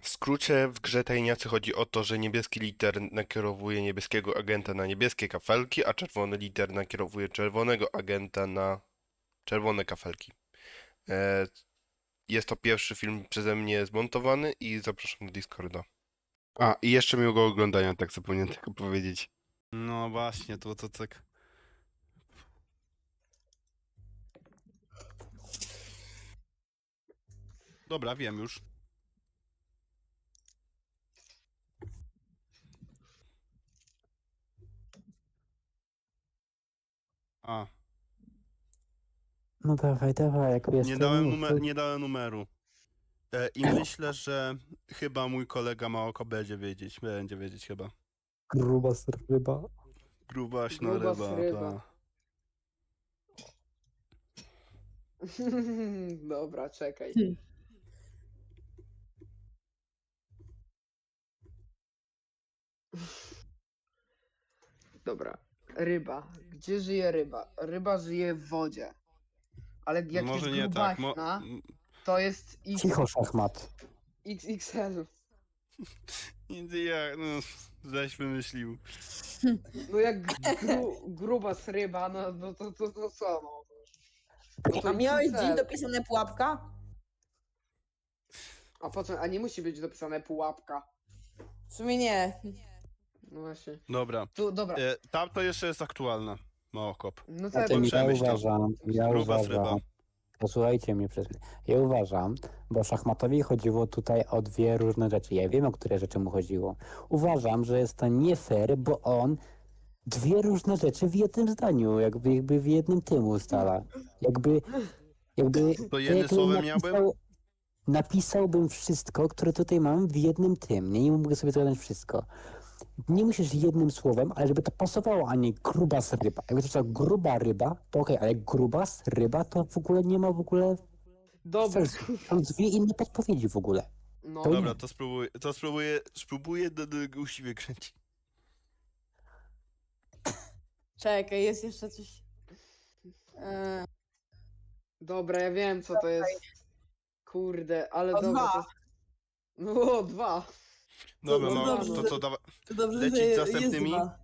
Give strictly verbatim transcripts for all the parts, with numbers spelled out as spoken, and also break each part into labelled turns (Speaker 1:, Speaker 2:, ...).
Speaker 1: W skrócie w grze tajemnicy chodzi o to, że niebieski liter nakierowuje niebieskiego agenta na niebieskie kafelki, a czerwony liter nakierowuje czerwonego agenta na czerwone kafelki. E, jest to pierwszy film przeze mnie zmontowany i zapraszam do Discorda. A, i jeszcze miłego oglądania, tak zapomniałem tylko powiedzieć.
Speaker 2: No właśnie, to to tak. Dobra, wiem już. A,
Speaker 3: No dawaj, dawaj, jak wiesz,
Speaker 2: nie
Speaker 3: to
Speaker 2: dałem,
Speaker 3: mów,
Speaker 2: numer,
Speaker 3: to-
Speaker 2: nie dałem numeru. E, I myślę, że chyba mój kolega Małoko będzie wiedzieć. Będzie wiedzieć chyba.
Speaker 3: gruba ryba.
Speaker 2: Grubaśna
Speaker 4: Grubas
Speaker 2: ryba,
Speaker 4: ryba.
Speaker 2: ta.
Speaker 4: Dobra, czekaj. Dobra. Ryba. Gdzie żyje ryba? Ryba żyje w wodzie. Ale jak
Speaker 2: Może
Speaker 4: jest
Speaker 2: nie tak. Mo...
Speaker 4: grubaśna, to jest X,
Speaker 3: Cicho, szachmat.
Speaker 4: X X L.
Speaker 2: Nie, ja, no, żeś wymyślił.
Speaker 4: No jak gru, grubas ryba, no, no to, to, to co no? No to
Speaker 5: A miałeś
Speaker 4: X X L.
Speaker 5: dziś dopisane pułapka?
Speaker 4: A po co? A nie musi być dopisane pułapka.
Speaker 5: W sumie nie.
Speaker 4: No właśnie.
Speaker 2: Dobra.
Speaker 4: Tu, dobra.
Speaker 2: E, tam to jeszcze jest aktualna. Małokop.
Speaker 4: No
Speaker 3: A
Speaker 4: to ja
Speaker 3: tym ja
Speaker 2: przemyśl to.
Speaker 3: uważam, ja
Speaker 2: Grubas ryba.
Speaker 3: uważam, posłuchajcie mnie przez chwilę. Ja uważam, bo szachmatowi chodziło tutaj o dwie różne rzeczy. Ja wiem, o które rzeczy mu chodziło. Uważam, że jest to nie fair, bo on dwie różne rzeczy w jednym zdaniu, jakby, jakby w jednym tym ustala. Jakby, jakby...
Speaker 2: To jednym
Speaker 3: jakby
Speaker 2: słowem miałbym?
Speaker 3: Napisałbym wszystko, które tutaj mam w jednym tym. Nie, nie mogę sobie zgadać wszystko. Nie musisz jednym słowem, ale żeby to pasowało, a nie grubas ryba. Jakby to była gruba ryba, to okej, ale grubas ryba to w ogóle nie ma w ogóle
Speaker 4: Dobra.
Speaker 3: sensu. Są dwie inne podpowiedzi w ogóle.
Speaker 4: No.
Speaker 3: To nie.
Speaker 2: Dobra, to spróbuję, to spróbuję, spróbuję do, do usiwie kręcić.
Speaker 5: Czekaj, jest jeszcze coś. E,
Speaker 4: Dobra, ja wiem co to jest. Kurde, ale
Speaker 5: O,
Speaker 4: dobra.
Speaker 5: dwa.
Speaker 4: To jest... No, dwa.
Speaker 2: Dobra,
Speaker 5: to
Speaker 2: no,
Speaker 5: dobrze.
Speaker 2: to co, dawa...
Speaker 5: to dobrze,
Speaker 2: Lecić
Speaker 5: że
Speaker 2: z
Speaker 5: jest
Speaker 2: następnymi?
Speaker 5: dwa.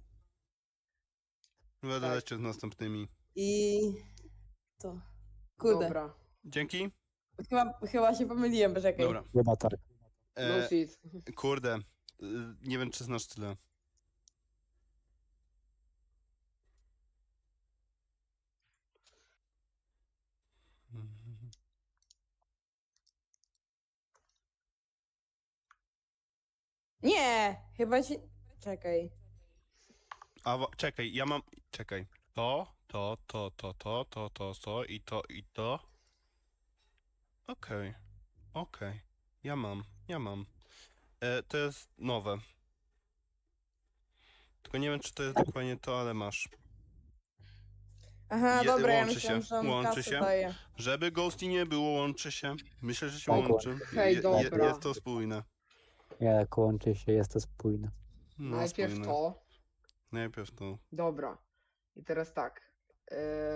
Speaker 2: będę
Speaker 4: Tak.
Speaker 2: lecieć z następnymi.
Speaker 5: I to. Kurde.
Speaker 4: Dobra.
Speaker 2: Dzięki.
Speaker 5: Chyba, chyba się pomyliłem, poczekaj.
Speaker 2: Dobra.
Speaker 3: Chyba tak.
Speaker 4: No
Speaker 2: E,
Speaker 4: shit.
Speaker 2: kurde, y, nie wiem czy znasz tyle.
Speaker 5: Nie! Chyba ci. Czekaj.
Speaker 2: A wo- czekaj, ja mam. Czekaj. To, to, to, to, to, to, to, to i to, i to. Okej, okej. Ja mam, ja mam. E, to jest nowe. Tylko nie wiem, czy to jest dokładnie to, ale masz.
Speaker 5: Aha,
Speaker 2: Je-
Speaker 5: dobra, ja
Speaker 2: łączy
Speaker 5: myślałem,
Speaker 2: się,
Speaker 5: że on
Speaker 2: łączy
Speaker 5: kasę
Speaker 2: się.
Speaker 5: daje.
Speaker 2: Żeby Ghosty nie było, łączy się. Myślę, że się
Speaker 3: Tak,
Speaker 2: łączy.
Speaker 4: Hej,
Speaker 2: Je-
Speaker 4: dobra.
Speaker 2: jest to spójne.
Speaker 3: Jak łączy się, jest to spójne.
Speaker 2: No,
Speaker 4: Najpierw
Speaker 2: spójne.
Speaker 4: to.
Speaker 2: Najpierw to.
Speaker 4: Dobra. I teraz tak. E,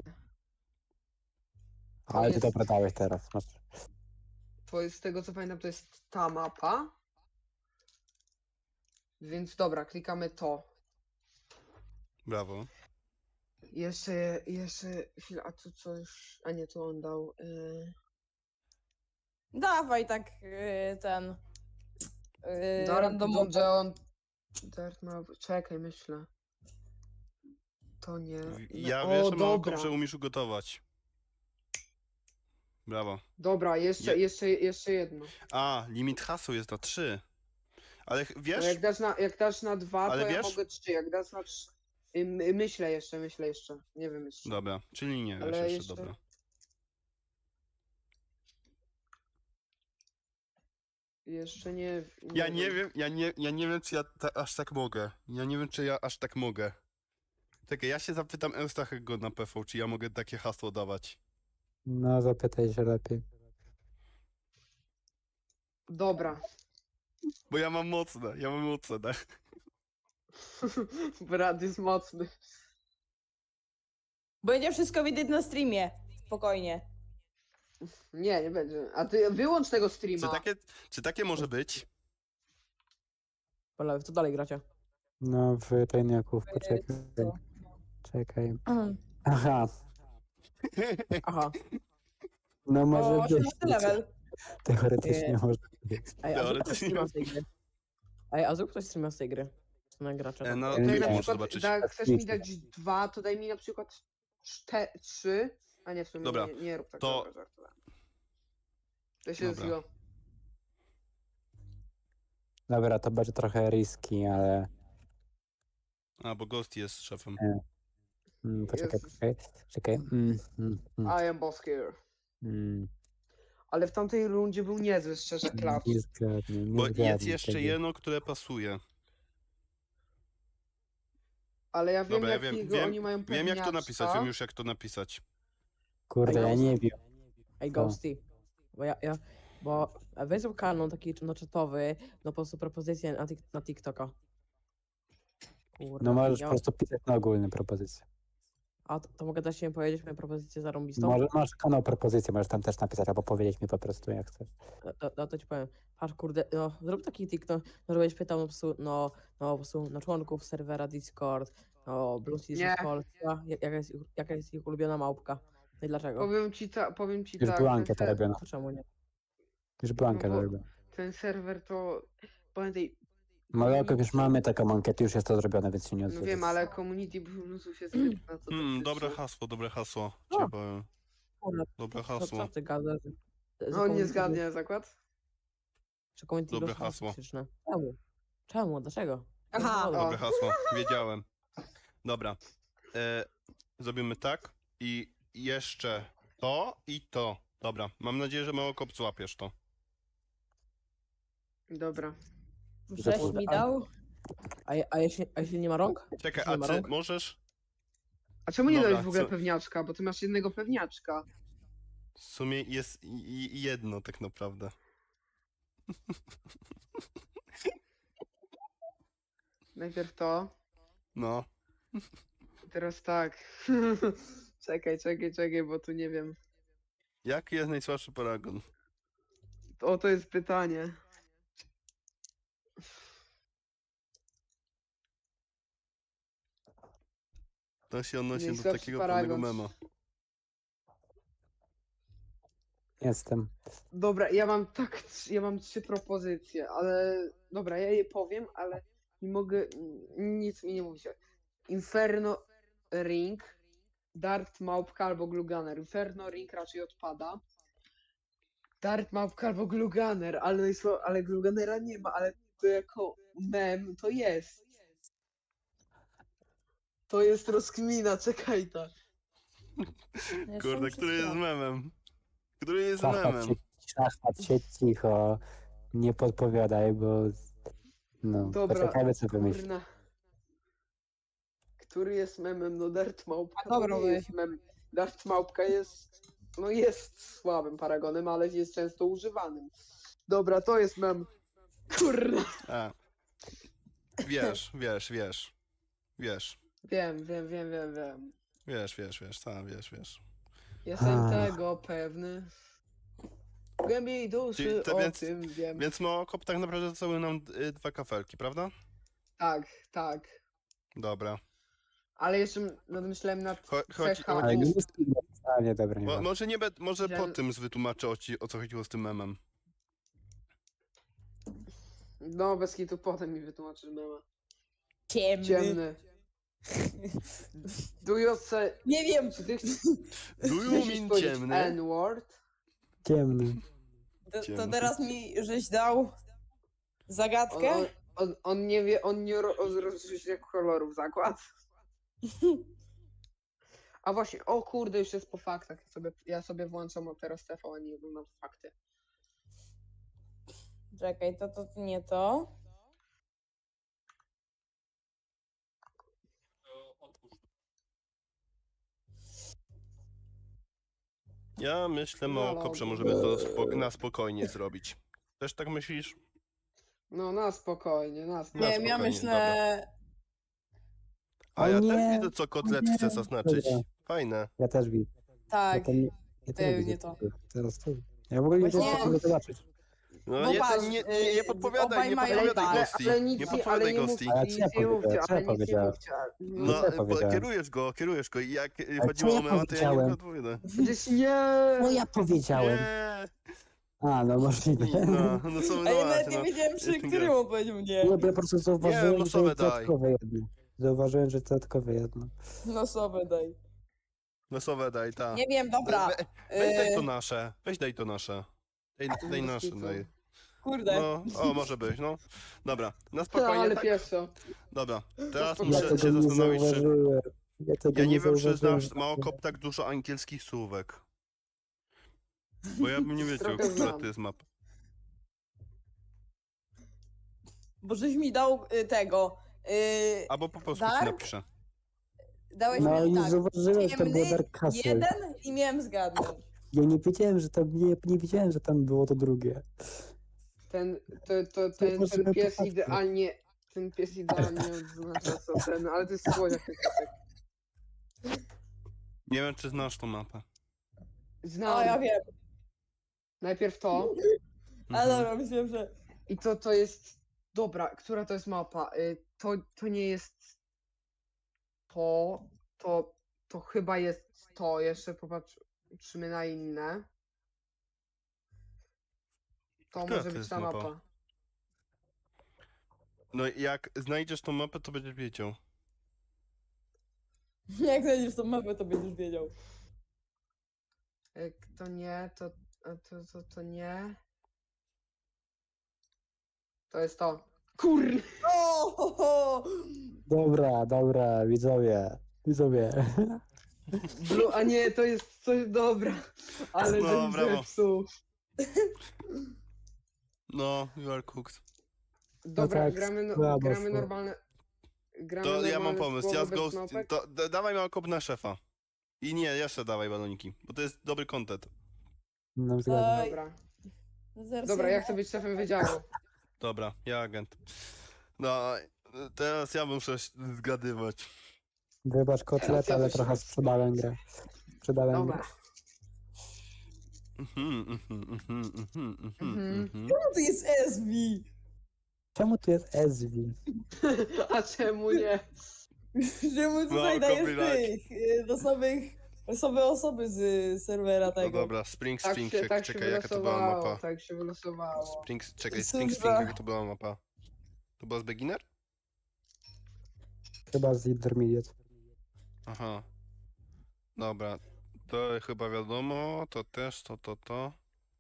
Speaker 3: Ale ty
Speaker 4: jest-
Speaker 3: dobra dałeś teraz. Masz.
Speaker 4: to jest, z tego co pamiętam, to jest ta mapa. Więc dobra, klikamy to.
Speaker 2: Brawo.
Speaker 4: Jeszcze, jeszcze, chwilę, a tu coś, a nie, tu on dał. E,
Speaker 5: Dawaj tak yy, ten. Yy,
Speaker 4: Dark,
Speaker 5: randomowo.
Speaker 4: John, Dark Map, czekaj, myślę. To nie.
Speaker 2: Ja
Speaker 4: o,
Speaker 2: wiesz,
Speaker 4: dobra.
Speaker 2: Małoko, że umiesz ugotować. Brawo.
Speaker 4: Dobra, jeszcze,
Speaker 2: Je-
Speaker 4: jeszcze, jeszcze jedno.
Speaker 2: A, limit haseł jest na trzy. Ale ch-
Speaker 4: No
Speaker 2: wiesz,
Speaker 4: jak dasz na, jak dasz na dwa,
Speaker 2: Ale
Speaker 4: to ja
Speaker 2: wiesz-
Speaker 4: mogę trzy. Jak dasz na trzy. y, my- Myślę jeszcze, myślę jeszcze. Nie wiem jeszcze.
Speaker 2: dobra, czyli nie wiesz
Speaker 4: Ale
Speaker 2: jeszcze,
Speaker 4: jeszcze-
Speaker 2: dobra.
Speaker 4: Jeszcze nie.
Speaker 2: Ja nie wiem, ja nie, ja nie wiem, czy ja ta, aż tak mogę. Ja nie wiem, czy ja aż tak mogę. Czekaj, ja się zapytam Eustachego na P V, czy ja mogę takie hasło dawać.
Speaker 3: No, zapytaj się lepiej.
Speaker 4: Dobra.
Speaker 2: Bo ja mam mocne, ja mam mocne, tak?
Speaker 4: Brat jest mocny.
Speaker 5: Będzie wszystko widać na streamie. Spokojnie.
Speaker 4: Nie, nie będzie. A ty wyłącz tego
Speaker 2: Czy
Speaker 4: streama.
Speaker 2: takie, czy takie może być?
Speaker 6: Panowie, co dalej gracie?
Speaker 3: No, w tajniaków,
Speaker 5: Y,
Speaker 3: poczekaj.
Speaker 5: co?
Speaker 3: Czekaj. Aha,
Speaker 6: Aha.
Speaker 3: no może
Speaker 5: O,
Speaker 3: być.
Speaker 5: osiemnasty level.
Speaker 3: Teoretycznie
Speaker 6: Nie.
Speaker 3: może być.
Speaker 6: Ej, a zrób ktoś
Speaker 2: Teoretycznie.
Speaker 6: streama z tej gry. Ej, a zrób ktoś streama z tej gry. Na gracze.
Speaker 2: E,
Speaker 6: tam.
Speaker 2: no,
Speaker 3: Ja
Speaker 4: Tak
Speaker 3: nie
Speaker 4: na
Speaker 3: wiem.
Speaker 2: muszę
Speaker 4: przykład,
Speaker 2: zobaczyć.
Speaker 4: da, chcesz mi
Speaker 3: Twitch.
Speaker 4: dać dwa, to daj mi na przykład czte, trzy. A nie, w sumie
Speaker 2: Dobra,
Speaker 4: nie, nie rób tak.
Speaker 2: to-
Speaker 4: Dobra, żartowałem. To się
Speaker 2: Dobra.
Speaker 4: zło.
Speaker 3: Dobra, to będzie trochę riski, ale...
Speaker 2: A, bo Ghost jest szefem.
Speaker 3: Mm, poczekaj,
Speaker 4: Jezus.
Speaker 3: czekaj. Czekaj. Mm, mm, mm,
Speaker 4: I am boss here.
Speaker 3: mm.
Speaker 4: Ale w tamtej rundzie był niezły, szczerze, klacz.
Speaker 3: Nie zgadnę, nie
Speaker 2: Bo
Speaker 3: zgadnę
Speaker 2: jest jeszcze
Speaker 3: tego.
Speaker 2: jedno, które pasuje.
Speaker 4: Ale ja wiem,
Speaker 2: Dobra, ja wiem,
Speaker 4: jakiego
Speaker 2: wiem,
Speaker 4: oni mają
Speaker 2: wiem jak to napisać,
Speaker 4: pewniaczka.
Speaker 2: wiem już jak to napisać.
Speaker 3: Kurde, ja nie wiem.
Speaker 6: Ej,
Speaker 3: Co?
Speaker 6: Ghosty. Bo ja, ja bo weź kanon taki no, czatowy, no po prostu propozycje na, tik- na TikToka. Kurde,
Speaker 3: No możesz
Speaker 6: ja,
Speaker 3: po prostu pisać na ogólne propozycje.
Speaker 6: A to, to mogę dać się powiedzieć moją propozycję zarąbistą?
Speaker 3: Może masz kanał propozycje, możesz tam też napisać, albo powiedzieć mi po prostu jak chcesz.
Speaker 6: No, to, no to ci powiem. Patrz, kurde, no zrób taki TikTok, no żebyś pytał no, po prostu, no, no po prostu na członków serwera Discord, no Bluetooth
Speaker 4: Nie.
Speaker 6: z Polska, ja- jaka jest, ich- jaka jest ich ulubiona małpka. No i dlaczego?
Speaker 4: Powiem ci, ta, powiem ci
Speaker 3: Już
Speaker 4: tak,
Speaker 3: była
Speaker 4: ten,
Speaker 3: ankieta
Speaker 4: ser
Speaker 3: robiona.
Speaker 6: To czemu nie?
Speaker 3: Już była
Speaker 4: No
Speaker 3: ankieta
Speaker 4: bo-
Speaker 3: robiona.
Speaker 4: ten serwer to... Pamiętaj...
Speaker 3: Ale jak
Speaker 4: community-
Speaker 3: już mamy taką ankietę, już jest to zrobione, więc się nie
Speaker 4: No
Speaker 3: odzywaj.
Speaker 4: wiem, ale community bonusów jest zbyt na to
Speaker 2: Hmm,
Speaker 4: toksyczne.
Speaker 2: dobre hasło, dobre hasło.
Speaker 6: O.
Speaker 2: Cię powiem.
Speaker 6: Kurde,
Speaker 2: Dobre
Speaker 6: co,
Speaker 2: hasło.
Speaker 6: co ty gadasz? Że
Speaker 4: No nie
Speaker 6: community-
Speaker 4: zgadnie zakład?
Speaker 6: Że community
Speaker 2: Dobre
Speaker 6: bonusy są
Speaker 2: hasło.
Speaker 6: toksyczne. Czemu? Czemu? Dlaczego?
Speaker 5: Aha.
Speaker 6: No,
Speaker 2: Dobre
Speaker 4: O.
Speaker 2: hasło, wiedziałem. Dobra. E, zrobimy tak i jeszcze to i to. Dobra, mam nadzieję, że mało kop złapiesz to.
Speaker 4: Dobra.
Speaker 5: Żeś mi dał?
Speaker 6: A, je- a, jeśli, a jeśli nie ma rąk?
Speaker 2: Czekaj,
Speaker 6: Nie
Speaker 2: a
Speaker 6: ma
Speaker 2: czy
Speaker 6: rąk?
Speaker 2: możesz?
Speaker 4: A czemu nie
Speaker 2: Dobra,
Speaker 4: dałeś w ogóle
Speaker 2: co-
Speaker 4: pewniaczka? Bo ty masz jednego pewniaczka.
Speaker 2: W sumie jest i- i jedno tak naprawdę.
Speaker 4: Najpierw to,
Speaker 2: No.
Speaker 4: teraz tak. Czekaj, czekaj, czekaj, bo tu nie wiem.
Speaker 2: Jaki jest najsłabszy paragon?
Speaker 4: O, to jest pytanie.
Speaker 2: To się odnosi do
Speaker 4: Najsłabszy
Speaker 2: takiego
Speaker 4: paragon.
Speaker 2: pewnego mema.
Speaker 3: Jestem.
Speaker 4: Dobra, ja mam tak, trz- ja mam trzy propozycje, ale dobra, ja je powiem, ale nie mogę, nic mi nie mówicie. Inferno Ring, Dart Małpka albo Gluganer. Inferno Ring raczej odpada. Dart Małpka albo Gluganer, ale, najsła- ale Gluganera nie ma, ale to jako mem to jest. To jest rozkmina, czekaj tak.
Speaker 5: Jestem
Speaker 2: Kurde,
Speaker 5: przy
Speaker 2: który jest
Speaker 5: stronie.
Speaker 2: memem? Który jest
Speaker 3: Szachmat
Speaker 2: memem?
Speaker 3: się, szachmat się cicho. Nie podpowiadaj, bo... No,
Speaker 4: Dobra,
Speaker 3: poczekajmy co wymyśli.
Speaker 4: kurna. Który jest memem? No Dart Małpka
Speaker 5: A dobra,
Speaker 4: to nie
Speaker 5: weź.
Speaker 4: jest mem. Dart Małpka jest, no jest słabym paragonem, ale jest często używanym. Dobra, to jest mem. Kurna.
Speaker 2: A. Wiesz, wiesz, wiesz. Wiesz.
Speaker 4: Wiem, wiem, wiem, wiem, wiem.
Speaker 2: Wiesz, wiesz, wiesz, sam wiesz, wiesz.
Speaker 4: Jestem
Speaker 3: Ah.
Speaker 4: tego pewny. W głębi duszy
Speaker 2: Czyli to
Speaker 4: o
Speaker 2: więc-
Speaker 4: tym wiem.
Speaker 2: Więc Mookop tak naprawdę zostały nam y, dwa kafelki, prawda?
Speaker 4: Tak, tak.
Speaker 2: Dobra.
Speaker 4: Ale jeszcze nadmyślałem nad
Speaker 2: Cho, chodź,
Speaker 4: C H U.
Speaker 3: Ale nie jest... A nie, dobra, nie
Speaker 2: Mo,
Speaker 3: ma.
Speaker 2: może nie be, może
Speaker 4: Że-
Speaker 2: po tym wytłumaczę o, ci, o co chodziło z tym memem.
Speaker 4: No, bez kitu potem mi wytłumaczysz mema.
Speaker 5: Ciemny.
Speaker 4: Ciemny. Do you say...
Speaker 5: Nie wiem.
Speaker 4: Czy ty chcesz
Speaker 2: Do you
Speaker 4: chcesz
Speaker 2: mean
Speaker 4: powiedzieć
Speaker 2: ciemny?
Speaker 4: N-word?
Speaker 3: Ciemny.
Speaker 5: To, to
Speaker 2: Ciemny.
Speaker 5: teraz mi żeś dał
Speaker 4: On,
Speaker 5: zagadkę?
Speaker 4: on, on, on nie wie, on nie ro- rozróżnia kolorów zakład. A właśnie, o kurde, już jest po faktach. Ja sobie, ja sobie włączam od teraz T V, a nie oglądam fakty.
Speaker 5: Czekaj, to, to nie to.
Speaker 2: Ja myślę,
Speaker 4: No,
Speaker 2: Mookop, że
Speaker 4: no.
Speaker 2: możemy to spo, na spokojnie zrobić. Też tak myślisz?
Speaker 4: No, na spokojnie, na
Speaker 2: Na
Speaker 4: spokojnie.
Speaker 5: Nie wiem, ja
Speaker 2: spokojnie,
Speaker 5: myślę...
Speaker 2: A
Speaker 3: O
Speaker 2: ja
Speaker 3: nie,
Speaker 2: też widzę, co kotlet
Speaker 3: nie,
Speaker 2: chce zaznaczyć.
Speaker 3: dobra.
Speaker 2: Fajne.
Speaker 3: Ja też widzę. Ja
Speaker 5: Tak.
Speaker 3: to nie, ja też
Speaker 5: pewnie
Speaker 3: widzę.
Speaker 5: to.
Speaker 3: Teraz to. Ja w ogóle nie
Speaker 5: Właśnie-
Speaker 3: wiem, co zobaczyć.
Speaker 2: No
Speaker 5: Bo
Speaker 2: nie,
Speaker 5: patrz,
Speaker 2: nie, nie,
Speaker 5: y,
Speaker 2: nie podpowiadaj,
Speaker 5: obaj
Speaker 2: nie
Speaker 5: mają
Speaker 2: podpowiadaj
Speaker 5: tak.
Speaker 2: Ghosti.
Speaker 4: Ale nic
Speaker 2: Nie
Speaker 4: nie, ale
Speaker 2: podpowiadaj
Speaker 4: nie
Speaker 2: Ghosti.
Speaker 4: mówcie,
Speaker 3: Ale
Speaker 4: nic
Speaker 3: co ja
Speaker 4: nie
Speaker 3: powiedziałem?
Speaker 4: mówcie,
Speaker 3: Co ja
Speaker 4: ale nic nie
Speaker 3: powiedziałem?
Speaker 4: mówcie.
Speaker 2: No,
Speaker 3: co ja
Speaker 2: bo
Speaker 3: powiedziałem?
Speaker 2: kierujesz go, kierujesz go i jak y,
Speaker 3: co
Speaker 2: chodziło
Speaker 3: ja
Speaker 2: o mema, to ja nie
Speaker 3: powiedziałem?
Speaker 2: mogę odpowiadać.
Speaker 4: Przecież nie!
Speaker 3: No ja powiedziałem.
Speaker 2: Nie.
Speaker 3: A, no możliwe.
Speaker 2: No, no są,
Speaker 5: A
Speaker 2: no
Speaker 5: ja nawet
Speaker 2: właśnie,
Speaker 5: nie
Speaker 2: no.
Speaker 5: wiedziałem, przy
Speaker 2: Jestem
Speaker 5: którym
Speaker 2: gra.
Speaker 5: on powiedział nie.
Speaker 3: Nie, bo ja po prostu zauważyłem, że
Speaker 2: losowe
Speaker 3: jest
Speaker 2: daj.
Speaker 3: dodatkowe jedno. Zauważyłem, że dodatkowe jedno.
Speaker 5: No sobie daj.
Speaker 2: Losowe daj, ta.
Speaker 5: Nie wiem, dobra.
Speaker 2: We, weź daj to
Speaker 5: y,
Speaker 2: nasze, weź daj to nasze. Daj, daj
Speaker 4: Bez
Speaker 2: nasze,
Speaker 4: kitu.
Speaker 2: daj.
Speaker 5: Kurde.
Speaker 2: No, o, może być, no. Dobra, na
Speaker 4: Ta,
Speaker 2: spokojnie,
Speaker 4: ale
Speaker 2: tak?
Speaker 4: pieszo.
Speaker 2: Dobra, teraz
Speaker 4: Ja
Speaker 3: Ja
Speaker 2: muszę
Speaker 3: tego
Speaker 2: się
Speaker 3: nie
Speaker 2: zastanowić, czy...
Speaker 3: zauważyłem. Ja, tego
Speaker 2: Ja nie wiem, czy
Speaker 3: zauważyłem,
Speaker 2: znasz
Speaker 3: że-
Speaker 2: Małokop tak dużo angielskich słówek. Bo ja bym nie wiedział,
Speaker 4: Trochę
Speaker 2: która
Speaker 4: znam.
Speaker 2: to jest mapa.
Speaker 5: Bo żeś mi dał y, tego. Y,
Speaker 2: Albo po polsku ci
Speaker 5: Dark?
Speaker 2: napiszę.
Speaker 5: dałeś
Speaker 3: No i
Speaker 5: mi
Speaker 3: nie
Speaker 5: tak.
Speaker 3: zauważyłem, że to było
Speaker 5: Ciemny,
Speaker 3: Dark Castle.
Speaker 5: jeden i miałem zgadnąć.
Speaker 3: Ja nie wiedziałem, że tam nie, nie wiedziałem, że tam było to drugie.
Speaker 4: Ten, to, to, ten, ten
Speaker 3: Zauważyłem
Speaker 4: pies
Speaker 3: to
Speaker 4: idealnie, ten pies idealnie odznacza co ten, ale to jest słodziak ten piesek.
Speaker 2: Nie wiem, czy znasz tą mapę.
Speaker 4: Znam.
Speaker 5: O, ja wiem.
Speaker 4: Najpierw to
Speaker 5: Ale
Speaker 2: Mhm.
Speaker 5: dobra, myślałem, że.
Speaker 4: i to, to jest, dobra, która to jest mapa? Y, To, to nie jest to, to, to chyba jest to, jeszcze popatrzymy na inne. To
Speaker 2: Która
Speaker 4: może
Speaker 2: to
Speaker 4: być
Speaker 2: jest
Speaker 4: ta
Speaker 2: mapa?
Speaker 4: mapa.
Speaker 2: No i jak znajdziesz tą mapę, to będziesz wiedział.
Speaker 5: Jak znajdziesz tą mapę, to będziesz wiedział.
Speaker 4: Jak to nie, to, a to, to, to nie. To jest to. Kur...
Speaker 5: O, ho, ho.
Speaker 3: Dobra, dobra, widzowie. Widzowie.
Speaker 4: Blue, a nie, to jest coś dobra. Ale
Speaker 2: No,
Speaker 4: żebym
Speaker 2: brawo.
Speaker 4: zepsuł.
Speaker 2: No, you are cooked.
Speaker 4: Dobra,
Speaker 3: tak,
Speaker 4: gramy, no,
Speaker 3: słabo
Speaker 4: gramy
Speaker 3: szło.
Speaker 4: normalne. Gramy
Speaker 2: To ja mam
Speaker 4: normalne
Speaker 2: pomysł,
Speaker 4: słowo
Speaker 2: ja z
Speaker 4: bez
Speaker 2: Ghost...
Speaker 4: małpek?
Speaker 2: To, da, dawaj Małokop na szefa. I nie, jeszcze dawaj baloniki, bo to jest dobry content.
Speaker 3: No, zgadza.
Speaker 5: Oj,
Speaker 4: Dobra.
Speaker 5: zaraz
Speaker 4: Dobra,
Speaker 5: ja-
Speaker 4: jak chcę być szefem wydziału?
Speaker 2: Dobra, ja agent. No, teraz ja muszę zgadywać.
Speaker 3: Wybacz kotlet,
Speaker 4: ja
Speaker 3: ale
Speaker 4: też
Speaker 3: trochę
Speaker 4: raz.
Speaker 3: sprzedałem grę. Sprzedałem grę.
Speaker 4: Dobra.
Speaker 2: Mhm, mhm, mhm, mhm, mhm,
Speaker 4: Mhm.
Speaker 2: mhm.
Speaker 5: Czemu to jest S V?
Speaker 3: Czemu tu jest S V?
Speaker 4: A czemu nie?
Speaker 5: Czemu tutaj
Speaker 2: No,
Speaker 5: dajesz
Speaker 2: copyright.
Speaker 5: tych y, losowych, losowe osoby z y, serwera
Speaker 2: No
Speaker 5: tego?
Speaker 2: dobra, Spring
Speaker 4: Tak
Speaker 2: Spring,
Speaker 4: się,
Speaker 2: czek-
Speaker 4: tak się
Speaker 2: czekaj jaka to była
Speaker 4: wylosowało,
Speaker 2: mapa.
Speaker 4: tak się wylosowało.
Speaker 2: Spring, czekaj,
Speaker 5: Cóż
Speaker 2: Spring
Speaker 5: za-
Speaker 2: Spring, jaka to była mapa? To była z Beginner?
Speaker 3: Chyba z Intermediate.
Speaker 2: Aha. Dobra, to chyba wiadomo, to też, to, to, to.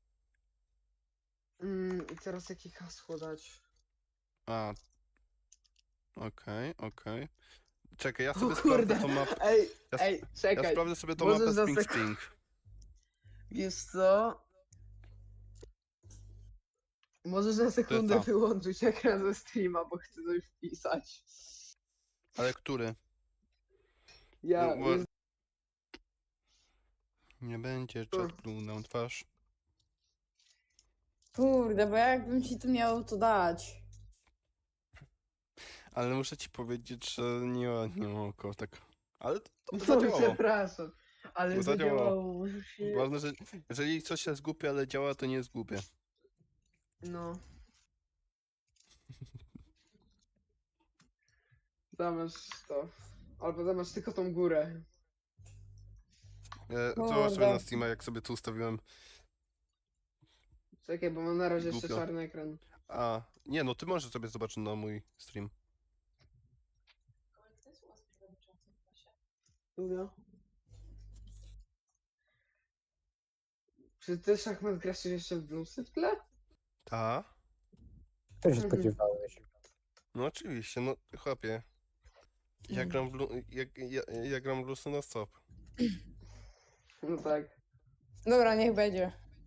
Speaker 4: Mm, i teraz jakie hasło dać?
Speaker 2: A. Okej, okej. Czekaj, ja
Speaker 4: O
Speaker 2: sobie
Speaker 4: kurde.
Speaker 2: sprawdzę tą mapę.
Speaker 4: Ej,
Speaker 2: Ja,
Speaker 4: ej,
Speaker 2: ja
Speaker 4: czekaj.
Speaker 2: sprawdzę sobie tą
Speaker 4: Możesz
Speaker 2: mapę
Speaker 4: za
Speaker 2: Spring
Speaker 4: sek-
Speaker 2: Spring.
Speaker 4: Wiesz co? Możesz na sekundę
Speaker 2: co?
Speaker 4: wyłączyć ekran ze streama, bo chcę coś wpisać.
Speaker 2: Ale który?
Speaker 4: Ja,
Speaker 2: No,
Speaker 4: jest,
Speaker 2: Nie będzie chat blue na twarz.
Speaker 5: Kurde, bo jakbym ci tu miał to dać.
Speaker 2: Ale muszę ci powiedzieć, że nie ma, nie ma oko, tak. Ale to, to
Speaker 4: no,
Speaker 2: zadziałało.
Speaker 4: przepraszam, ale
Speaker 2: To zadziałało.
Speaker 4: zadziałało. Może się...
Speaker 2: Ważne, że jeżeli coś się zgubia, ale działa, to nie jest głupie.
Speaker 4: No. Zamasz to. Albo zamasz tylko tą górę.
Speaker 2: E,
Speaker 5: Kurde.
Speaker 2: Zobacz sobie na Steama, jak sobie tu ustawiłem.
Speaker 4: Czekaj, bo mam na razie jeszcze
Speaker 2: Głupio.
Speaker 4: czarny ekran.
Speaker 2: A, nie, no ty możesz sobie zobaczyć na mój stream.
Speaker 4: Lubię. Czy ty szachmat grasz jeszcze w Bloomsy w tle?
Speaker 2: Ta?
Speaker 3: Co się
Speaker 4: Mhm.
Speaker 3: spodziewałeś?
Speaker 2: No oczywiście, no chłopie. Ja gram w, lu- ja, ja, ja gram w Lucy na stop.
Speaker 4: No tak.
Speaker 5: Dobra, niech będzie.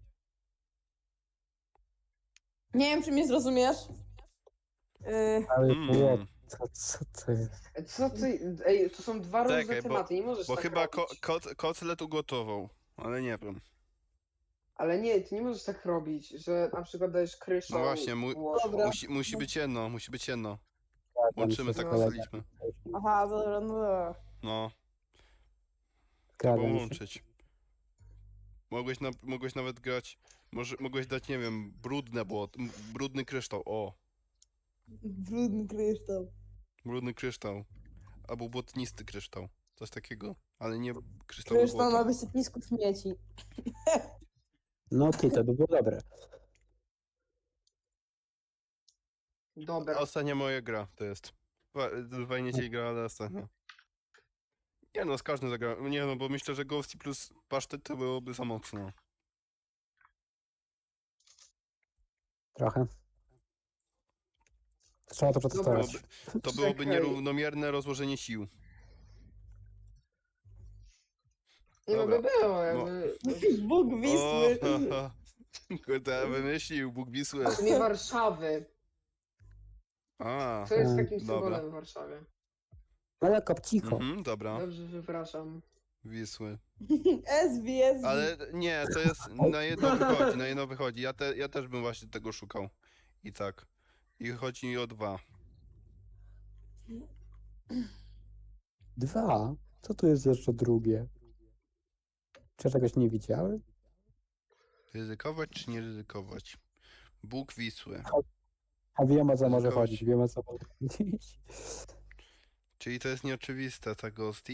Speaker 5: Nie wiem, czy mnie zrozumiesz. Yy,
Speaker 3: Ale
Speaker 2: Mm.
Speaker 3: było, co, co to jest?
Speaker 4: E, Co ty? Ej, to są dwa różne
Speaker 2: Czekaj, bo-
Speaker 4: tematy, nie możesz
Speaker 2: Bo
Speaker 4: tak
Speaker 2: chyba ko
Speaker 4: robić.
Speaker 2: kot, kotlet ugotował, ale nie wiem.
Speaker 4: Ale nie, ty nie możesz tak robić, że na przykład dajesz kryszą.
Speaker 2: No właśnie, mój-
Speaker 4: Włoszą.
Speaker 5: Dobra.
Speaker 2: Musi, musi być jedno, musi być jedno.
Speaker 3: Zgadzam
Speaker 2: Łączymy,
Speaker 3: się
Speaker 2: tak
Speaker 3: z kolegą.
Speaker 2: ustaliliśmy.
Speaker 5: aha, dobra, no dobra.
Speaker 2: No, trzeba
Speaker 3: Zgadzam się.
Speaker 2: łączyć. Mogłeś, na, mogłeś nawet grać, może, mogłeś dać, nie wiem, brudne błot, m- brudny kryształ, o,
Speaker 5: Brudny kryształ.
Speaker 2: brudny kryształ, albo błotnisty kryształ, coś takiego, ale nie kryształy
Speaker 5: Kryształ na
Speaker 2: błota.
Speaker 5: wysypisku śmieci.
Speaker 3: No ty, to by było dobre.
Speaker 4: Dobra.
Speaker 2: Ostatnia moja gra to jest. Fa- Fajnie się gra, ale ostatnia. Nie no, z każdym zagrałem. Nie no, bo myślę, że Ghosty plus pasztet to byłoby za mocno.
Speaker 3: Trochę. Trzeba to
Speaker 4: Dobra.
Speaker 3: przetestować.
Speaker 2: To byłoby
Speaker 4: Czekaj.
Speaker 2: nierównomierne rozłożenie sił.
Speaker 4: Nie no
Speaker 2: Dobra.
Speaker 4: by było,
Speaker 2: No.
Speaker 4: jakby...
Speaker 5: Bóg
Speaker 2: O,
Speaker 5: Wisły.
Speaker 2: ha, ha. Kurde, wymyślił Bóg Wisły.
Speaker 4: Nie Warszawy.
Speaker 2: A,
Speaker 4: Co jest
Speaker 3: Mm,
Speaker 4: takim
Speaker 2: dobra.
Speaker 4: symbolem w Warszawie?
Speaker 3: No ale kopcicho.
Speaker 2: mhm, dobra,
Speaker 4: Dobrze, przepraszam.
Speaker 2: Wisły.
Speaker 5: S B, S B.
Speaker 2: Ale nie, to jest, na jedno wychodzi, na jedno wychodzi. Ja, te, ja też bym właśnie tego szukał. I tak. I chodzi mi o dwa.
Speaker 3: Dwa? Co tu jest jeszcze drugie? Czy ja czegoś nie widziałem?
Speaker 2: Ryzykować czy nie ryzykować? Bóg Wisły.
Speaker 3: A wiem o co może
Speaker 2: Ryzykować.
Speaker 3: chodzić, wiem o co może chodzić.
Speaker 2: Czyli to jest nieoczywiste, ta Ghosty?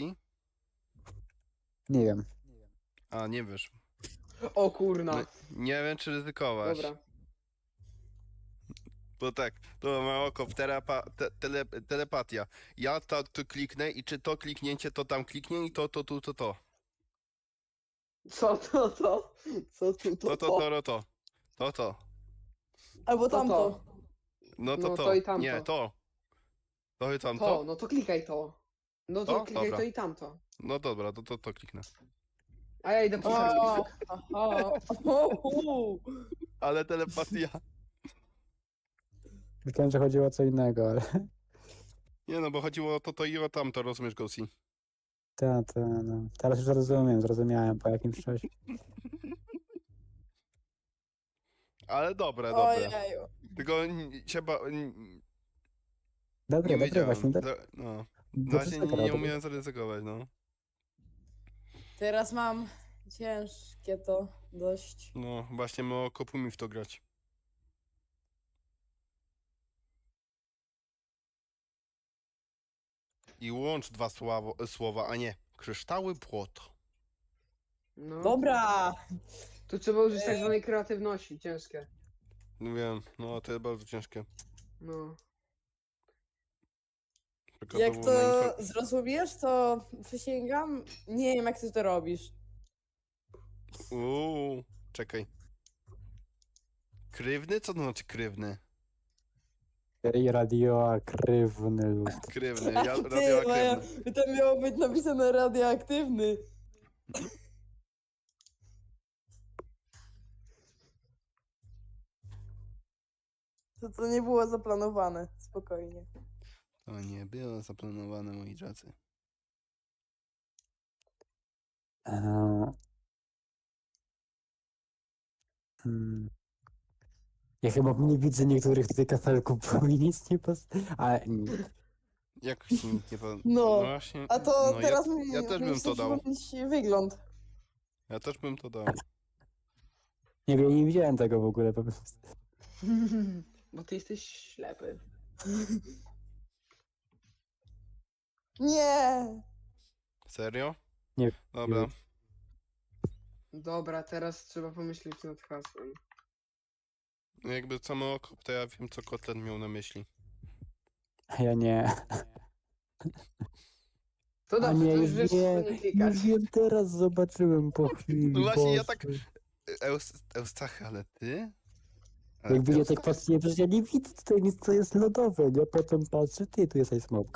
Speaker 3: Nie wiem.
Speaker 2: A, nie wiesz.
Speaker 4: O kurna.
Speaker 2: No, nie wiem, czy ryzykować.
Speaker 4: Dobra.
Speaker 2: Bo tak, to ma oko, telepa, te, tele, telepatia. Ja to, to kliknę i czy to kliknięcie to tam kliknie i to, to, tu, to, to.
Speaker 4: Co to, to? Co tu,
Speaker 2: To,
Speaker 4: to,
Speaker 2: to, to, to, to. To, to.
Speaker 5: Albo
Speaker 4: To,
Speaker 5: tamto.
Speaker 4: to.
Speaker 2: No to,
Speaker 4: No,
Speaker 2: to.
Speaker 4: to i tamto.
Speaker 2: Nie, to. To i
Speaker 4: To,
Speaker 2: tamto?
Speaker 4: no to klikaj to. No to
Speaker 2: To?
Speaker 4: klikaj
Speaker 2: Dobra.
Speaker 4: to i tamto.
Speaker 2: No dobra, to, to, to kliknę.
Speaker 4: A ja idę po
Speaker 5: O,
Speaker 4: serwis.
Speaker 5: aha. O, u.
Speaker 2: Ale telepatia.
Speaker 3: Myślałem, że chodziło o co innego, ale...
Speaker 2: Nie no, bo chodziło o to, to i o tamto, rozumiesz, Ghosty?
Speaker 3: Ta, ta, no. Teraz już rozumiem, zrozumiałem po jakimś czasie.
Speaker 2: Ale dobre, dobre.
Speaker 5: Ojeju.
Speaker 2: Tylko n- trzeba... n-
Speaker 3: Dobre,
Speaker 2: Nie
Speaker 3: dobre,
Speaker 2: wiedziałem.
Speaker 3: właśnie. Do,
Speaker 2: Do, no. Na
Speaker 3: dobrze
Speaker 2: razie
Speaker 3: zagrał,
Speaker 2: nie, nie
Speaker 3: dobrze.
Speaker 2: umiałem zaryzykować, no.
Speaker 5: Teraz mam ciężkie to dość.
Speaker 2: No, właśnie mało kopu mi w to grać. I łącz dwa sławo, słowa, a nie. Kryształy płot.
Speaker 4: No.
Speaker 5: Dobra.
Speaker 4: Tu trzeba użyć tak zwanej kreatywności, ciężkie.
Speaker 2: No wiem, no to jest bardzo ciężkie.
Speaker 4: No.
Speaker 5: Jak
Speaker 2: Przykładowo na
Speaker 5: to
Speaker 2: infor-
Speaker 5: zrozumiesz, to przysięgam, nie wiem jak ty to robisz.
Speaker 2: Uuu, czekaj. Krywny? Co to znaczy krywny?
Speaker 3: I radioaktywny lud.
Speaker 2: Krywny, ja,
Speaker 5: Ty, Maja,
Speaker 2: radioaktywny.
Speaker 5: to miało być napisane radioaktywny. To to nie było zaplanowane, spokojnie.
Speaker 2: To nie było zaplanowane, moi drodzy.
Speaker 3: Eee, hmm. Ja chyba nie widzę niektórych tych kafelków, bo mi nic nie pas... Ale nie.
Speaker 2: Jak ci nikt nie po...
Speaker 5: No,
Speaker 2: właśnie,
Speaker 5: A to
Speaker 2: no
Speaker 5: teraz
Speaker 2: ja,
Speaker 5: mi,
Speaker 2: ja też
Speaker 5: mi
Speaker 2: bym
Speaker 5: chce
Speaker 2: to dał.
Speaker 5: przypomnieć wygląd.
Speaker 2: Ja też bym to dał.
Speaker 3: Nie wiem, nie widziałem tego w ogóle po prostu.
Speaker 4: Bo ty jesteś ślepy.
Speaker 5: Nie!
Speaker 2: Serio?
Speaker 3: Nie.
Speaker 2: Dobra.
Speaker 4: Dobra, teraz trzeba pomyśleć nad hasłem.
Speaker 2: No jakby samo oko, to ja wiem, co kotlet miał na myśli.
Speaker 3: A ja nie.
Speaker 4: To
Speaker 3: A
Speaker 4: dobrze,
Speaker 3: nie,
Speaker 4: to
Speaker 3: już
Speaker 4: już wiesz,
Speaker 3: nie,
Speaker 4: co nie klikać.
Speaker 3: już wiem, teraz zobaczyłem po chwili.
Speaker 2: No właśnie, ja
Speaker 3: Boże.
Speaker 2: tak- Eus, Eustachy, ale ty? Ale
Speaker 3: Jakby ja
Speaker 2: Eustachy?
Speaker 3: tak patrzę, przecież ja nie widzę tutaj nic, co jest lodowe, nie? Potem patrzę, ty, tu jest smałka.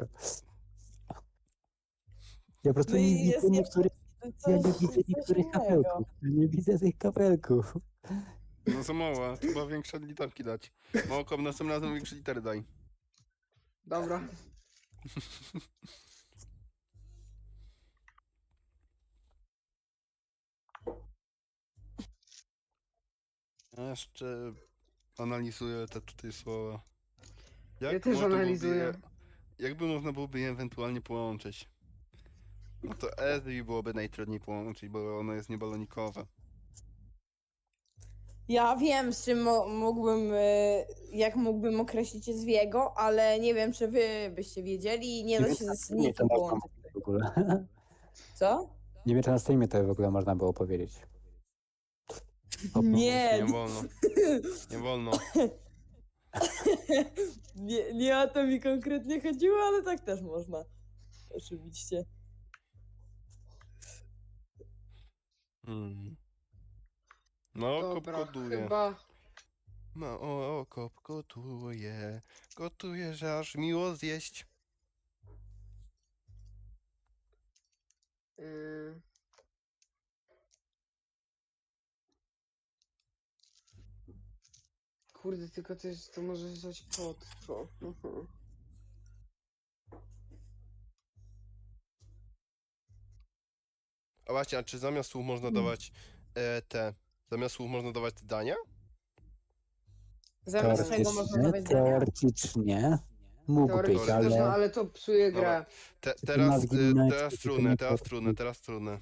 Speaker 3: Ja po prostu
Speaker 5: No
Speaker 3: nie
Speaker 5: i
Speaker 3: widzę
Speaker 5: jest jeszcze
Speaker 3: niektórych,
Speaker 5: coś,
Speaker 3: ja nie widzę
Speaker 5: coś
Speaker 3: niektórych
Speaker 5: innego.
Speaker 3: kapelków. Ja nie widzę tych kapelków.
Speaker 2: No za mała, trzeba większe literki dać. Małkom następnym razem większe litery daj.
Speaker 4: Dobra.
Speaker 2: Ja jeszcze analizuję te tutaj słowa. Jak
Speaker 4: Ja też
Speaker 2: można byłoby
Speaker 4: analizuję.
Speaker 2: Je, jakby można byłoby je ewentualnie połączyć? No to S byłoby najtrudniej połączyć, bo ono jest niebalonikowe.
Speaker 5: Ja wiem, z czym mo- mógłbym, e, jak mógłbym określić Zwiego, ale nie wiem, czy wy byście wiedzieli i nie
Speaker 3: Nie
Speaker 5: da
Speaker 3: wiem,
Speaker 5: się
Speaker 3: na
Speaker 5: z
Speaker 3: streamie to
Speaker 5: nikim
Speaker 3: można
Speaker 5: połączyć.
Speaker 3: mówić w ogóle.
Speaker 5: Co?
Speaker 3: Nie wiem, czy na streamie to w ogóle można było powiedzieć. O,
Speaker 5: Nie,
Speaker 2: Nie wolno. Nie wolno.
Speaker 5: nie, nie o to mi konkretnie chodziło, ale tak też można. Oczywiście.
Speaker 2: Hmm. No, kop
Speaker 4: Dobra,
Speaker 2: koduje.
Speaker 4: chyba...
Speaker 2: No, o, kop gotuje. Gotuje, że aż miło zjeść.
Speaker 4: Yy... Kurde, tylko też to może coś pod to. Mhm.
Speaker 2: A właśnie, a czy zamiast słów można dawać e, te... Zamiast słów można dawać te dania?
Speaker 5: Zamiast czego można
Speaker 3: Teoretycznie,
Speaker 5: dawać dania?
Speaker 3: teoretycznie mógł być,
Speaker 4: Teoretycznie też, no
Speaker 3: ale
Speaker 4: ale to psuje
Speaker 2: Dobra.
Speaker 4: grę.
Speaker 2: Te,
Speaker 3: Czy te
Speaker 2: teraz,
Speaker 3: nazwy
Speaker 2: y,
Speaker 3: inne,
Speaker 2: teraz
Speaker 3: czy to
Speaker 2: trudne,
Speaker 3: nie
Speaker 2: teraz
Speaker 3: powinno
Speaker 2: trudne,
Speaker 3: być?
Speaker 2: teraz trudne.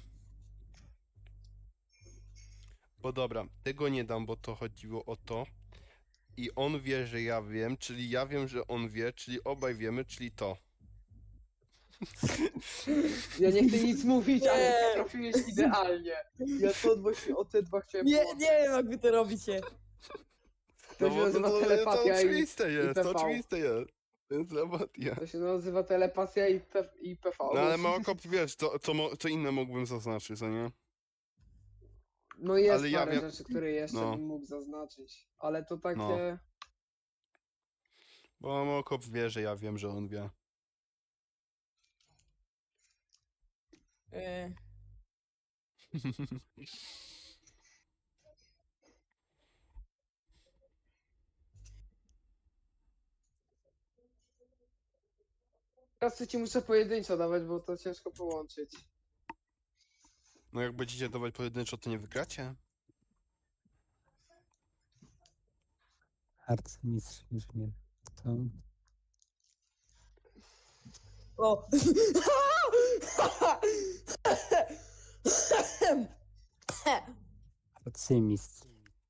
Speaker 2: Bo dobra, tego nie dam, bo to chodziło o to. I on wie, że ja wiem, czyli ja wiem, że on wie, czyli obaj wiemy, czyli to.
Speaker 4: Ja nie chcę nic mówić, ale
Speaker 5: Nie.
Speaker 4: ty trafiłeś idealnie. Ja to właśnie o te dwa chciałem
Speaker 5: Nie,
Speaker 4: połączyć.
Speaker 5: nie wiem, jak wy to robicie.
Speaker 4: To
Speaker 2: No
Speaker 4: się
Speaker 2: bo
Speaker 4: nazywa
Speaker 2: to, to, to
Speaker 4: telepatia i,
Speaker 2: oczywiste
Speaker 4: i
Speaker 2: jest, to
Speaker 4: P V.
Speaker 2: oczywiste jest. To jest telepatia.
Speaker 4: To się nazywa telepatia i, P, i P V.
Speaker 2: No ale Małokop, wiesz, co, co, mo- co inne mógłbym zaznaczyć, co nie?
Speaker 4: No jest
Speaker 2: ale ja
Speaker 4: parę
Speaker 2: wiem-
Speaker 4: rzeczy, które jeszcze
Speaker 2: no.
Speaker 4: bym mógł zaznaczyć. Ale to takie...
Speaker 2: No. Bo Małokop wie, że ja wiem, że on wie.
Speaker 5: E,
Speaker 4: Teraz to ci muszę pojedynczo dawać, bo to ciężko połączyć.
Speaker 2: No jak będziecie dawać pojedynczo, to nie wygracie?
Speaker 3: arcymistrz inżynier. To...
Speaker 5: O!
Speaker 3: Arcymistrz.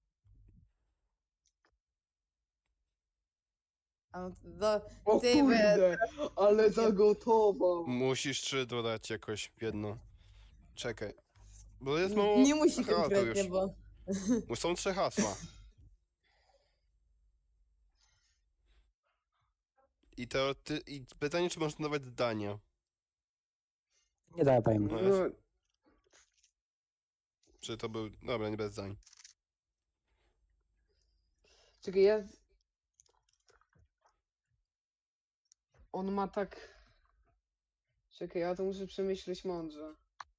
Speaker 5: A no to do,
Speaker 4: O
Speaker 5: Ty,
Speaker 4: kurde, ale zagotował.
Speaker 2: Musisz trzy dodać jakoś w jedno. Czekaj. Bo jest
Speaker 5: nie,
Speaker 2: mało...
Speaker 5: nie musi
Speaker 2: Aha, to
Speaker 5: konkretnie,
Speaker 2: już.
Speaker 5: bo...
Speaker 2: Bo są trzy hasła. I to ty... I pytanie, czy można dawać zdania.
Speaker 3: Nie dawaj mu.
Speaker 2: No,
Speaker 4: No,
Speaker 2: Czy to był... Dobra, nie bez zdań.
Speaker 4: czekaj, ja... On ma tak... Czekaj, ja to muszę przemyśleć mądrze.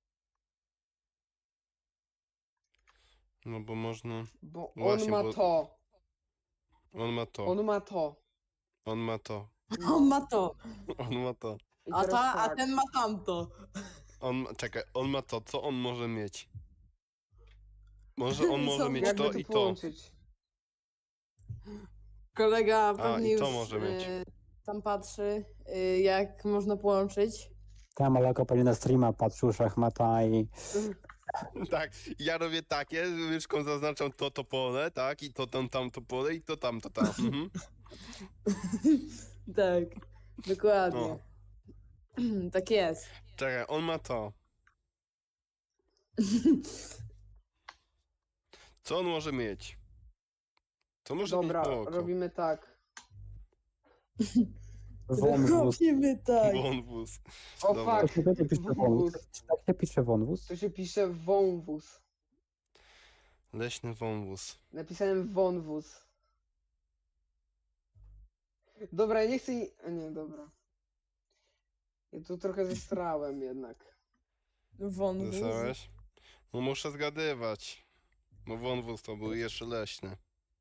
Speaker 2: No bo można...
Speaker 4: Bo on
Speaker 2: Właśnie,
Speaker 4: ma
Speaker 2: bo-
Speaker 4: to.
Speaker 2: On ma to.
Speaker 4: On ma to.
Speaker 2: On ma to.
Speaker 5: On ma to,
Speaker 2: On ma to.
Speaker 4: I
Speaker 5: a,
Speaker 4: teraz
Speaker 5: ta, a
Speaker 4: tak.
Speaker 5: ten ma tamto.
Speaker 2: On ma... Czekaj, on ma to. Co on może mieć? Może on może
Speaker 5: Co?
Speaker 2: mieć
Speaker 4: Jakby
Speaker 2: to
Speaker 4: to
Speaker 2: i to.
Speaker 4: połączyć?
Speaker 5: Kolega
Speaker 2: A,
Speaker 5: pewnie
Speaker 2: i to
Speaker 5: już
Speaker 2: może mieć.
Speaker 5: e, tam patrzy, e, jak można połączyć.
Speaker 3: Tam Aleko pewnie na streama patrzył szachmata i
Speaker 2: Tak, ja robię takie, łyżką zaznaczam to, to pole, tak, i to tam, tam, to pole, i to tam, to tam. Mhm.
Speaker 5: Tak, dokładnie. Tak jest.
Speaker 2: Czekaj, on ma to. Co on może mieć? Co może
Speaker 4: Dobra,
Speaker 2: mieć oko?
Speaker 4: robimy tak.
Speaker 3: wąwóz.
Speaker 5: Robimy tak.
Speaker 2: Wąwóz.
Speaker 4: O
Speaker 2: Dobra.
Speaker 3: To
Speaker 4: fuck,
Speaker 3: się będzie pisze wąwóz.
Speaker 4: wąwóz.
Speaker 3: Tak się pisze wąwóz?
Speaker 4: To się pisze wąwóz.
Speaker 2: Leśny wąwóz.
Speaker 4: Napisałem wąwóz. Dobra, ja nie chcę... ni- A nie, dobra. Ja tu trochę zestrałem jednak.
Speaker 5: Wąwóz.
Speaker 2: Zasałeś? No muszę zgadywać. No wąwóz to był jeszcze leśny.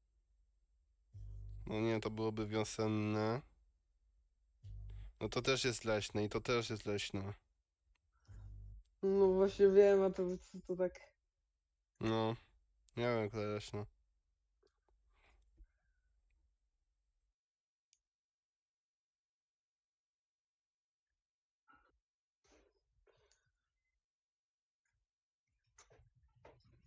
Speaker 2: No nie, to byłoby wiosenne. No to też jest leśne i to też jest leśne.
Speaker 4: No właśnie wiem, a to, to, to tak...
Speaker 2: No, nie wiem, jak to leśne.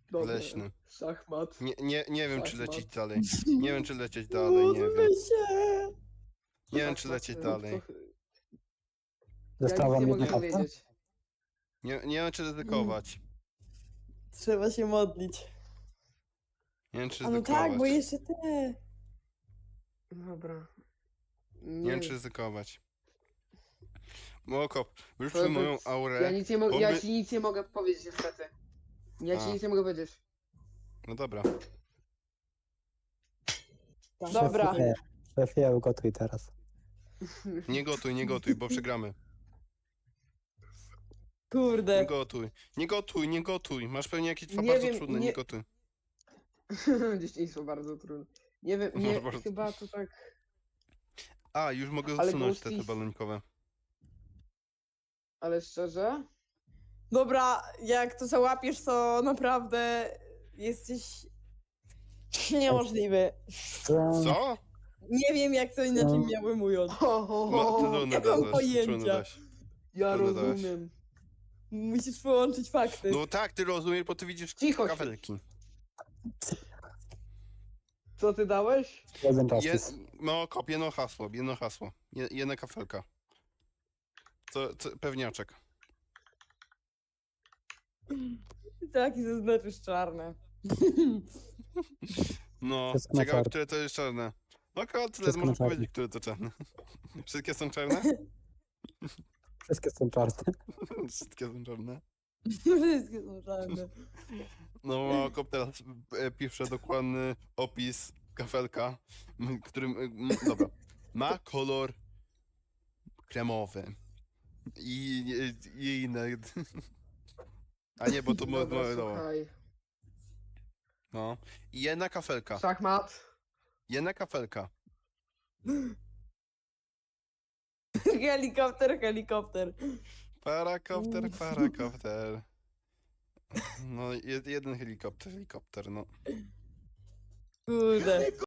Speaker 4: Dobra.
Speaker 2: Leśny.
Speaker 4: Szachmat.
Speaker 2: Nie, nie, nie wiem, czy
Speaker 4: Szachmat.
Speaker 2: lecieć dalej. Nie wiem, czy lecieć dalej, nie wiem.
Speaker 5: się.
Speaker 2: Nie wiem, czy
Speaker 4: Szachmat,
Speaker 2: lecieć
Speaker 4: rób
Speaker 2: dalej.
Speaker 4: to- Ja
Speaker 3: Została
Speaker 4: nic
Speaker 3: wam
Speaker 4: nie
Speaker 3: jedna
Speaker 4: mogę
Speaker 3: karta?
Speaker 4: powiedzieć.
Speaker 2: Nie, nie wiem, czy ryzykować.
Speaker 5: Trzeba się modlić.
Speaker 2: Nie wiem, czy
Speaker 5: A no
Speaker 2: ryzykować.
Speaker 5: tak, bo jeszcze te.
Speaker 4: Dobra.
Speaker 2: Nie wiem, czy ryzykować. Mokop,
Speaker 4: To-
Speaker 2: wyrzucił
Speaker 4: to-
Speaker 2: moją aurę.
Speaker 4: Ja nic nie mogę, ja
Speaker 2: Oby-
Speaker 4: ci nic nie mogę powiedzieć niestety. Ja ci
Speaker 2: A.
Speaker 4: nic nie mogę powiedzieć.
Speaker 2: No dobra.
Speaker 5: Dobra.
Speaker 3: Szefie, szefie, ugotuj teraz.
Speaker 2: Nie gotuj, nie gotuj, bo przegramy. Nie
Speaker 5: Kurde.
Speaker 2: gotuj. Nie gotuj, nie gotuj. Masz pewnie jakieś dwa
Speaker 4: Nie
Speaker 2: bardzo
Speaker 4: wiem,
Speaker 2: trudne,
Speaker 4: nie-
Speaker 2: nie gotuj.
Speaker 4: Dzieciństwo bardzo trudne. Nie wiem,
Speaker 2: No,
Speaker 4: nie,
Speaker 2: bardzo.
Speaker 4: chyba to tak...
Speaker 2: A, już mogę
Speaker 4: Ale
Speaker 2: usunąć te, te
Speaker 4: Ghosties-
Speaker 2: balonikowe.
Speaker 4: Ale szczerze?
Speaker 5: Dobra, jak to załapiesz, to naprawdę jesteś niemożliwy.
Speaker 2: Co?
Speaker 5: Nie wiem, jak to inaczej
Speaker 3: No.
Speaker 5: miałbym ująć.
Speaker 4: Ho, ho,
Speaker 2: Ma,
Speaker 4: ho,
Speaker 2: trudne
Speaker 5: nie mam
Speaker 2: dać,
Speaker 5: pojęcia.
Speaker 2: trudne dać.
Speaker 4: ja
Speaker 2: trudno dałeś.
Speaker 4: rozumiem.
Speaker 5: Musisz połączyć fakty.
Speaker 2: No tak, ty rozumiesz, bo ty widzisz
Speaker 4: Cicho się.
Speaker 2: kafelki.
Speaker 4: Co ty dałeś?
Speaker 3: Jeden
Speaker 2: Je,
Speaker 3: justice.
Speaker 2: no, kop, jedno hasło, jedno hasło. Je, jedna kafelka. Co, co, pewniaczek.
Speaker 5: Taki zaznaczysz czarne.
Speaker 2: No,
Speaker 3: Wszystko na
Speaker 2: ciekawe,
Speaker 3: czarno.
Speaker 2: które to jest czarne. No, akurat tyle
Speaker 3: Wszystko na
Speaker 2: możesz
Speaker 3: czarno.
Speaker 2: powiedzieć, które to czarne. Wszystkie są czarne?
Speaker 3: Wszystkie są czarne.
Speaker 2: Wszystkie są czarne.
Speaker 5: Wszystkie są czarne.
Speaker 2: No, kop teraz e, pisze dokładny opis kafelka, m, którym, e, m, dobra, ma kolor kremowy i, i, i inne. A nie, bo to mo,
Speaker 4: Dobra,
Speaker 2: mo, no,
Speaker 4: słuchaj.
Speaker 2: no. I jedna kafelka,
Speaker 4: Szachmat.
Speaker 2: jedna kafelka.
Speaker 5: Helikopter, helikopter.
Speaker 2: Parakopter, parakopter. No, jed, jeden helikopter, helikopter, no.
Speaker 5: Kurde.